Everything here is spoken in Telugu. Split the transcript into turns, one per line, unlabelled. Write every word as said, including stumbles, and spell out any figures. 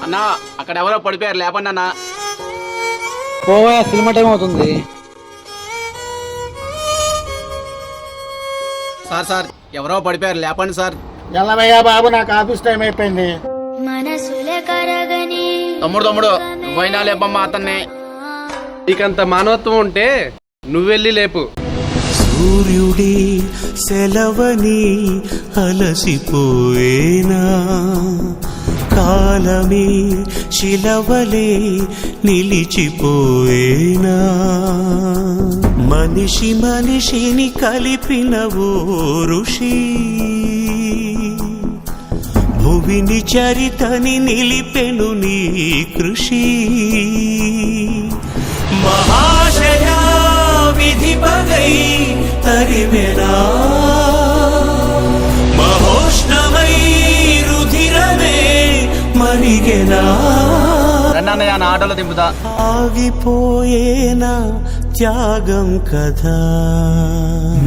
అన్నా అక్కడ ఎవరో పడిపోయారు, లేపండి అన్నా.
పోవా, సినిమా టైం అవుతుంది.
సార్ సార్ ఎవరో పడిపోయారు, లేపండి సార్.
ఎల్లవయ్యా బాబు, నాకు ఆఫీస్ టైం అయిపోయింది.
తమ్ముడు తమ్ముడు నువ్వైనా లేపమ్మా అతన్ని.
నీకంత మానవత్వం ఉంటే నువ్వెళ్ళి లేపు.
సూర్యుడి సెలవని అలసిపోయేనా, కాలమే శిలవలే నిలిచిపోయేనా, మనిషి మనిషిని కలిపిన ఓ ఋషి, భువిని చరితని నిలిపెను నీ కృషి. మహాశయా విధి పగై తరిమెనా, మహోష్ణమై రుధిరమే మరిగెనా,
రండి నా ఆటోలో దింపుతా.
ఆగిపోయేనా త్యాగం కదా.